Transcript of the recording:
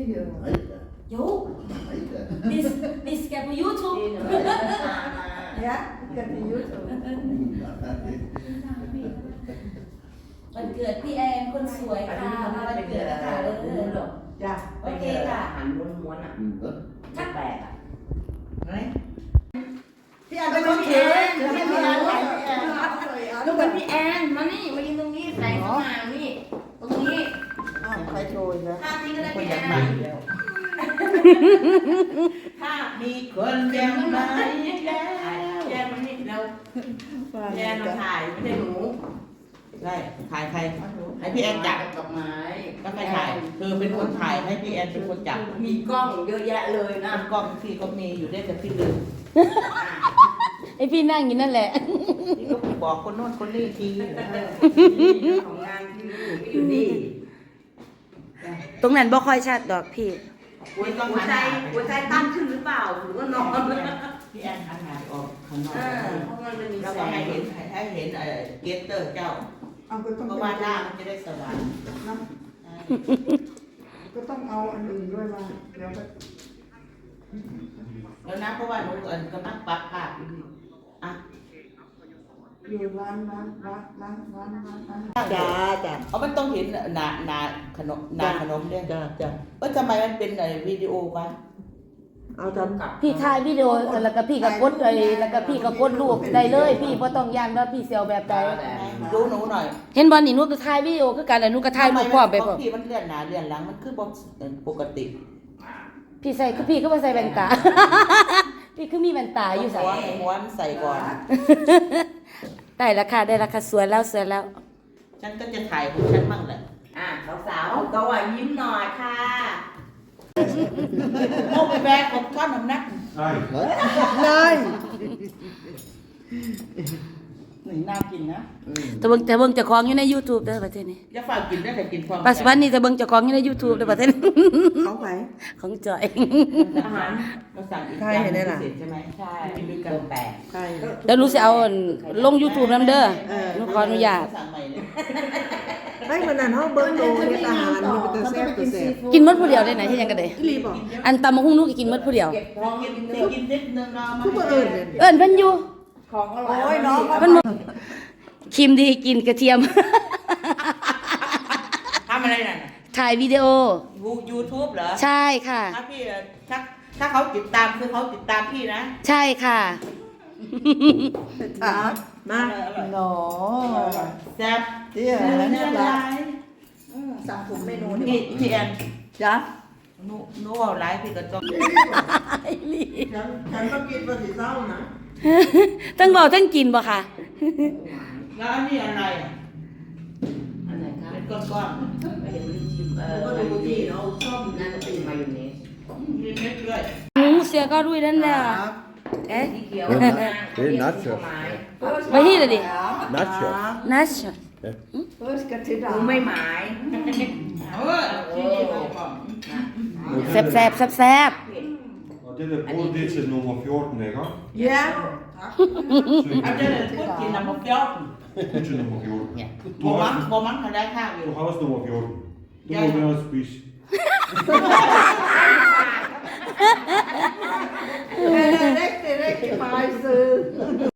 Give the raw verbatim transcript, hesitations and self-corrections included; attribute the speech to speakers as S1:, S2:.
S1: Jo, this this skal på YouTube.
S2: Ja, kan på YouTube.
S1: วันเกิดพี่แอนคนสวยค่ะมาวันเกิดแล้วค่ะเออ
S2: จ้ะ
S1: โอเคค่ะ
S3: อาหารม้วนๆอ่ะชักแปลกอ่ะ
S2: พี่อันเป็นคนเขียนไม่พี่อัน
S3: ลูกเป็นพี่แอนมานี่มายืนตรงนี้ใส่เข้ามานี่ตรงนี้
S2: ใครโชยนะ
S3: ภาพนี้ก็ได้
S4: คน
S3: พี่
S4: อ
S3: แอย
S4: าก
S3: น
S4: มาแล้ว
S3: ภาพ
S4: มีคนยังมาแล้ว
S3: แยนมันนี่เราแยนมาถ่ายไม่ใช่หนู
S4: ได้ถ่ายใครให้พี่แอนจับ
S3: ดอกไม้
S4: ก็ใครถ่ายเธอเป็นคนถ่ายให้พี่แอนเป็นคนจับ
S3: มีกล้องเยอะแยะเลยนะ
S4: น้ำกล้องพี่ก็มีอยู่ได้แต่พี่ลืม
S1: ไอพี่นั่งอยู่นั่นแหละ
S4: พี่ก็บอกคนโน้นคนนี้ที
S3: ของงานที่นี่ก็อยู่นี่
S1: ตรงนั้นบ่ค่อยชัดดอกพี่
S3: หัวใจหัวใจหัวใจตั้งขึ้นหรือเปล่าหรือว่านอน
S4: พี่แอนหันหน้าออกข้างนอก
S3: เออเพราะมันมี
S4: แล้ว
S3: แส
S4: ก็
S3: ง
S4: ให้เห็นให้เห็นเอ่อเกสเตอร์เจ้า
S2: เอาก็ต้อง
S4: เพราะว่าหน้ามันจะได้สว่าง
S2: นะก็ต้องเอาอันอื่นด้วยมาเดี๋ยวก็
S4: แล้วนะเพราะว่าหนูเอิญกำลังปรับภาพอยู่นี่อ่ะ
S2: อยู่ร้านร้านร้านร้านร้านร้านร้านจ้าจ้า
S4: เอามันต้องเห็นหนาหนาขนมหนาขนมเนี่ย
S2: จ้าจ้า
S4: ว่าทำไมมันเป็นไอ้วิดีโอวะ
S2: เอาทำกับ
S1: พี่ถ่ายวิดีโอแล้วก็พี่ก็กดไอ้แล้วก็พี่ก็กดรูปได้เลย พี่บ่ต้องย่านว่าพี่เสียวแบบใด
S4: ดูหนูหน่อย
S1: เห็นบ่นี่หนูก็ถ่ายวิดีโอคือกันแล้วหนูก็ถ่ายรูปพร้อมไปพร้อม
S4: พี่มันเลื่อนหน้าเลื่อนหลังมันคือบ่ปกติ
S1: พี่ใส่คือพี่ก็บ่ใส่แว่นตา พี่คือมีแว่นตาอยู่ใส่
S4: หัวหัวมันใส่ก่อน
S1: ได้ราคาได้ราคาสวยแล้วสวยแล้ว
S4: ฉันก็จะถ่ายของฉันบ้างแหละ
S3: อ่ะสาวๆตัวยิ้มหน่อยค่ะ
S4: โอ้ไปแบกของก้อนน้ำหนัก
S5: Nej.
S2: นาย
S4: หนึ่งน่ากินนะ
S1: แต่เบิ่งแต่เบิ่งเจ้าของอยู่ใน YouTube เด้อประเทศนี้
S4: อย่าฝากกินได้แต่กินพร้อม
S1: ปัจจุบันนี้แต่เบิ่งเจ้าของอยู่ใน YouTube เด้อประเทศนี้
S2: ของไผ่
S1: ของจอย
S4: อาหารเราสั่งอีก
S2: ใช่เห็นไหมล่ะ
S4: พิเศษใช่ไหม
S3: ใช่
S4: กินด้วยกัน
S3: ตัวแปลก
S2: ใช่
S1: แล้วหนูสิเอาลง YouTube นำเด้อหนูขออนุญาต
S4: สั่งใหม่เลย
S2: ให้มันนั่นเขาเบิ้งโตเฮ็ดอาหารมันเป็นตัวแซ่บตัวแซ่บ
S1: กินหมดผู้เดียวได้ไหนที่ยังก็ได้
S2: อีหลีบอก
S1: อันตำมะฮุ่งหนูก็กินหมดผู้เดียว
S3: เก็บท้อง
S4: กิน
S3: กิน
S4: เดี๋ยวกินนิดนึงเนาะ
S2: คือบ่เอิญเนี่ย
S1: เอิ้นเพิ่นอยู่
S3: ของอร่อย
S2: โอ้ยน้อง
S1: เพิ่นบ่ครีมดีกินกระเทียม
S4: ทำอะไรนั่น
S1: ถ่ายวิดีโอ
S4: ยูทูบเหรอ
S1: ใช่ค่ะ
S4: ถ้าพี่ถ้าถ้าเขาติดตามคือเขาติดตามพี่นะ
S1: ใช่ค่ะ
S2: ถามมา
S4: อร่อย
S2: หนอ
S4: แซ่บ
S2: เดี๋ยว
S4: เนื้อ
S2: นี่
S4: ลา
S2: ละ
S4: ย
S2: สั่งถุงเมนู
S4: นี่
S2: นี่
S4: พี่แอน
S2: จ้ะ
S4: หนูหนูเอาไลฟ์พี่ก็ต้อง
S1: ไอ้ลี่
S2: ฉันฉันก็กินภาษีเศร้านะ
S1: ทั้งเบาทั้งกินบ่ค่ะ
S4: แล้วอันนี้อะไรอ่ะ
S3: อันไหนคะ
S4: เป็นก้อน
S3: ไม่เห็นมันชิมเออ
S2: ก็ดูที่เราชอบ
S3: น่าจะเป็นมายองเนส
S4: ๆมีเม็ดด้วย
S1: หนูเสียก็ด้วยนั่นแหละเอ๊ะ
S3: สีเขียว
S5: Det är nacho.
S1: ไปที่เลยดิ
S5: Nacho.
S1: นัช
S2: เฟิร์สกะทิดา
S3: กูไม่หมาย
S4: เออที่นี่ไปก่อน
S1: แซ่บแซ่บแซ่บแซ่บ
S5: Og det der brød, det er til nummer fjorten, ikke?
S2: เย้
S4: เอาเดี๋ยวพูดกินน้ำมันเปรี้ยว
S5: Det er til nummer fjorten.
S4: เนี่ย
S5: Du
S4: โบมั
S5: har,
S4: งโบมังเขาได้ข้าวอยู่
S5: du har også nummer fjorten. Du
S4: Ja.
S5: må med at spise.
S2: เด็กเด็กเด็กไปซื้อ